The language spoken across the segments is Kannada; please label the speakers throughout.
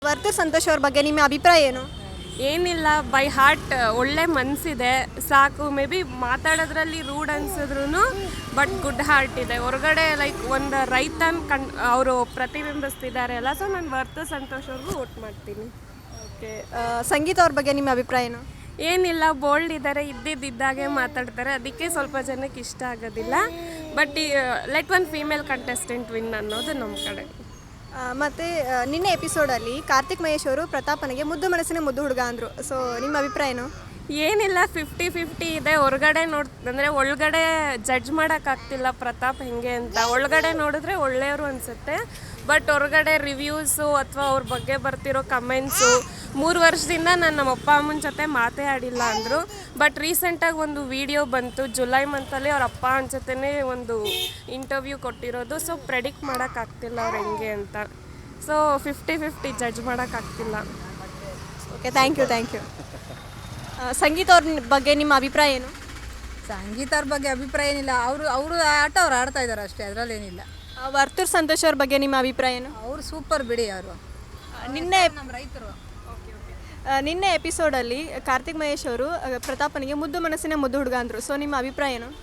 Speaker 1: ವರ್ತೂರ್ ಸಂತೋಷ್ ಅವ್ರ ಬಗ್ಗೆ ನಿಮ್ಮ ಅಭಿಪ್ರಾಯ ಏನು?
Speaker 2: ಏನಿಲ್ಲ, ಬೈ ಹಾರ್ಟ್ ಒಳ್ಳೆ ಮನಸ್ಸಿದೆ ಸಾಕು. ಮೇ ಬಿ ಮಾತಾಡೋದ್ರಲ್ಲಿ ರೂಡ್ ಅನ್ಸಿದ್ರು ಬಟ್ ಗುಡ್ ಹಾರ್ಟ್ ಇದೆ. ಹೊರಗಡೆ ಲೈಕ್ ಒಂದು ರೈತನ ಅವರು ಪ್ರತಿಬಿಂಬಿಸ್ತಿದ್ದಾರೆ ಅಲ್ಲ. ಸೊ ನಾನು ವರ್ತೂರ್ ಸಂತೋಷ್ ಅವ್ರಿಗೂ ವೋಟ್ ಮಾಡ್ತೀನಿ.
Speaker 1: ಓಕೆ, ಸಂಗೀತ ಅವ್ರ ಬಗ್ಗೆ ನಿಮ್ಮ ಅಭಿಪ್ರಾಯ ಏನು?
Speaker 2: ಏನಿಲ್ಲ, ಬೋಲ್ಡ್ ಇದ್ದಾರೆ, ಇದ್ದಿದ್ದಾಗೆ ಮಾತಾಡ್ತಾರೆ, ಅದಕ್ಕೆ ಸ್ವಲ್ಪ ಜನಕ್ಕೆ ಇಷ್ಟ ಆಗೋದಿಲ್ಲ. But let one female contestant win ಅನ್ನೋದು ನಮ್ಮ ಕಡೆ.
Speaker 1: ಮತ್ತು ನಿನ್ನೆ ಎಪಿಸೋಡಲ್ಲಿ ಕಾರ್ತಿಕ್ ಮಹೇಶ್ ಅವರು ಪ್ರತಾಪನಿಗೆ ಮುದ್ದು ಮನಸ್ಸಿನ ಮುದ್ದು ಹುಡುಗ ಅಂದರು. ಸೊ ನಿಮ್ಮ ಅಭಿಪ್ರಾಯ ಏನು?
Speaker 2: ಏನಿಲ್ಲ, 50-50 ಇದೆ. ಹೊರಗಡೆ ಅಂದರೆ ಒಳಗಡೆ ಜಡ್ಜ್ ಮಾಡೋಕ್ಕಾಗ್ತಿಲ್ಲ ಪ್ರತಾಪ್ ಹೆಂಗೆ ಅಂತ. ಒಳಗಡೆ ನೋಡಿದ್ರೆ ಒಳ್ಳೆಯವರು ಅನಿಸುತ್ತೆ, ಬಟ್ ಹೊರಗಡೆ ರಿವ್ಯೂಸು ಅಥವಾ ಅವ್ರ ಬಗ್ಗೆ ಬರ್ತಿರೋ ಕಮೆಂಟ್ಸು 3 ವರ್ಷದಿಂದ ನಾನು ನಮ್ಮ ಅಪ್ಪ ಅಮ್ಮನ ಜೊತೆ ಮಾತೇ ಆಡಿಲ್ಲ ಅಂದರು. ಬಟ್ ರೀಸೆಂಟಾಗಿ ಒಂದು ವಿಡಿಯೋ ಬಂತು, ಜುಲೈ ಮಂತಲ್ಲಿ ಅವ್ರ ಅಪ್ಪ ಅಮ್ಮನ ಜೊತೆನೇ ಒಂದು ಇಂಟರ್ವ್ಯೂ ಕೊಟ್ಟಿರೋದು. ಸೊ ಪ್ರೆಡಿಕ್ಟ್ ಮಾಡೋಕ್ಕಾಗ್ತಿಲ್ಲ ಅವ್ರು ಹೆಂಗೆ ಅಂತ. ಸೊ 50-50 ಜಡ್ಜ್ ಮಾಡೋಕ್ಕಾಗ್ತಿಲ್ಲ.
Speaker 1: Okay, thank you. ಸಂಗೀತ ಅವ್ರ ಬಗ್ಗೆ ನಿಮ್ಮ ಅಭಿಪ್ರಾಯ ಏನು?
Speaker 3: ಸಂಗೀತ ಅವ್ರ ಬಗ್ಗೆ ಅಭಿಪ್ರಾಯ ಏನಿಲ್ಲ. ಅವರು ಆಟ ಅವ್ರು ಆಡ್ತಾ ಇದ್ದಾರೆ ಅಷ್ಟೇ, ಅದರಲ್ಲೇನಿಲ್ಲ.
Speaker 1: ವರ್ತೂರ್ ಸಂತೋಷ್ ಅವ್ರ ಬಗ್ಗೆ ನಿಮ್ಮ ಅಭಿಪ್ರಾಯ ಏನು?
Speaker 3: ಅವರು ಸೂಪರ್ ಬಿಡಿ. ಅವರು
Speaker 1: ನಿನ್ನೆ
Speaker 3: ನಮ್ಮ ರೈತರು.
Speaker 1: ನಿನ್ನೆ ಎಪಿಸೋಡಲ್ಲಿ ಕಾರ್ತಿಕ್ ಮಹೇಶ್ ಅವರು ಪ್ರತಾಪನಿಗೆ ಮುದ್ದು ಮನಸ್ಸಿನ ಮುದ್ದು ಹುಡುಗ ಅಂದರು. ಸೊ ನಿಮ್ಮ ಅಭಿಪ್ರಾಯ ಏನು?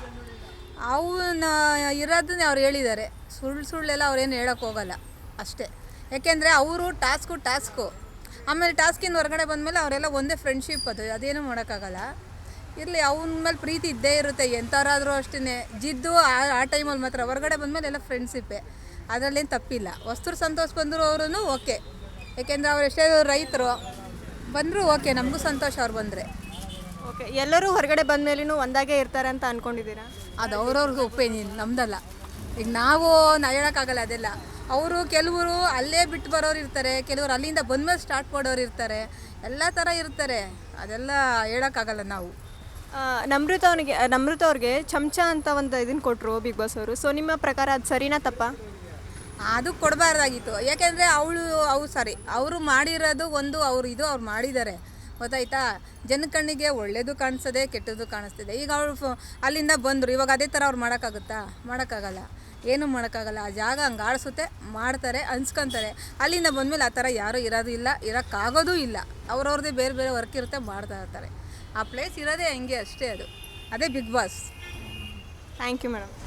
Speaker 3: ಅವನ್ನ ಇರೋದನ್ನೇ ಅವ್ರು ಹೇಳಿದ್ದಾರೆ. ಸುಳ್ಳೆಲ್ಲ ಅವ್ರೇನು ಹೇಳೋಕ್ಕೆ ಹೋಗಲ್ಲ ಅಷ್ಟೇ. ಯಾಕೆಂದರೆ ಅವರು ಟಾಸ್ಕು ಆಮೇಲೆ ಟಾಸ್ಕಿಂದ ಹೊರಗಡೆ ಬಂದಮೇಲೆ ಅವರೆಲ್ಲ ಒಂದೇ ಫ್ರೆಂಡ್ಶಿಪ್, ಅದೇನೂ ಮಾಡೋಕ್ಕಾಗಲ್ಲ. ಇರಲಿ, ಅವನ ಮೇಲೆ ಪ್ರೀತಿ ಇದ್ದೇ ಇರುತ್ತೆ ಎಂಥವರಾದರೂ ಅಷ್ಟೇ. ಜಿದ್ದು ಆ ಟೈಮಲ್ಲಿ ಮಾತ್ರ, ಹೊರಗಡೆ ಬಂದಮೇಲೆ ಎಲ್ಲ ಫ್ರೆಂಡ್ಶಿಪ್ಪೇ, ಅದರಲ್ಲೇನು ತಪ್ಪಿಲ್ಲ. ವರ್ತೂರ್ ಸಂತೋಷ್ ಬಂದರು ಅವರೂ ಓಕೆ, ಯಾಕೆಂದರೆ ಅವ್ರು ಎಷ್ಟೇ ರೈತರು ಬಂದರೂ ಓಕೆ, ನಮಗೂ ಸಂತೋಷ ಅವ್ರು ಬಂದರೆ.
Speaker 1: ಓಕೆ, ಎಲ್ಲರೂ ಹೊರಗಡೆ ಬಂದ ಮೇಲೂ ಒಂದಾಗೇ ಇರ್ತಾರೆ ಅಂತ ಅಂದ್ಕೊಂಡಿದ್ದೀರಾ?
Speaker 3: ಅದು ಅವ್ರವ್ರಿಗೆ ಒಪಿನಿಯನ್, ನಮ್ದಲ್ಲ. ಈಗ ನಾವು ಹೇಳೋಕ್ಕಾಗಲ್ಲ ಅದೆಲ್ಲ. ಅವರು ಕೆಲವರು ಅಲ್ಲೇ ಬಿಟ್ಟು ಬರೋರು ಇರ್ತಾರೆ, ಕೆಲವರು ಅಲ್ಲಿಂದ ಬಂದಮೇಲೆ ಸ್ಟಾರ್ಟ್ ಮಾಡೋರು ಇರ್ತಾರೆ, ಎಲ್ಲ ಥರ ಇರ್ತಾರೆ. ಅದೆಲ್ಲ ಹೇಳೋಕ್ಕಾಗಲ್ಲ ನಾವು.
Speaker 1: ನಮೃತ ಅವ್ರಿಗೆ ಚಮಚ ಅಂತ ಒಂದು ಇದನ್ನು ಕೊಟ್ಟರು ಬಿಗ್ ಬಾಸ್ ಅವರು. ಸೊ ನಿಮ್ಮ ಪ್ರಕಾರ ಅದು ಸರಿನಾ ತಪ್ಪಾ?
Speaker 3: ಅದು ಕೊಡಬಾರ್ದಾಗಿತ್ತು. ಯಾಕೆಂದರೆ ಅವರು ಮಾಡಿರೋದು ಒಂದು, ಅವ್ರು ಮಾಡಿದ್ದಾರೆ, ಗೊತ್ತಾಯ್ತಾ? ಜನ ಕಣ್ಣಿಗೆ ಒಳ್ಳೇದು ಕಾಣಿಸ್ತದೆ, ಕೆಟ್ಟದ್ದು ಕಾಣಿಸ್ತಿದೆ. ಈಗ ಅವರು ಅಲ್ಲಿಂದ ಬಂದರು, ಇವಾಗ ಅದೇ ಥರ ಅವ್ರು ಮಾಡೋಕ್ಕಾಗಲ್ಲ, ಏನೂ ಮಾಡೋಕ್ಕಾಗಲ್ಲ. ಆ ಜಾಗ ಹಂಗೆ ಆಡಿಸುತ್ತೆ, ಮಾಡ್ತಾರೆ, ಅನ್ಸ್ಕೊತಾರೆ. ಅಲ್ಲಿಂದ ಬಂದಮೇಲೆ ಆ ಥರ ಯಾರೂ ಇರೋದು ಇಲ್ಲ, ಇರೋಕ್ಕಾಗೋದೂ ಇಲ್ಲ. ಅವ್ರವ್ರದ್ದೇ ಬೇರೆ ವರ್ಕ್ ಇರುತ್ತೆ, ಮಾಡ್ತಾ ಇರ್ತಾರೆ. ಆ ಪ್ಲೇಸ್ ಇರೋದೇ ಹಂಗೆ ಅಷ್ಟೇ. ಅದೇ big boss.
Speaker 1: Thank you madam.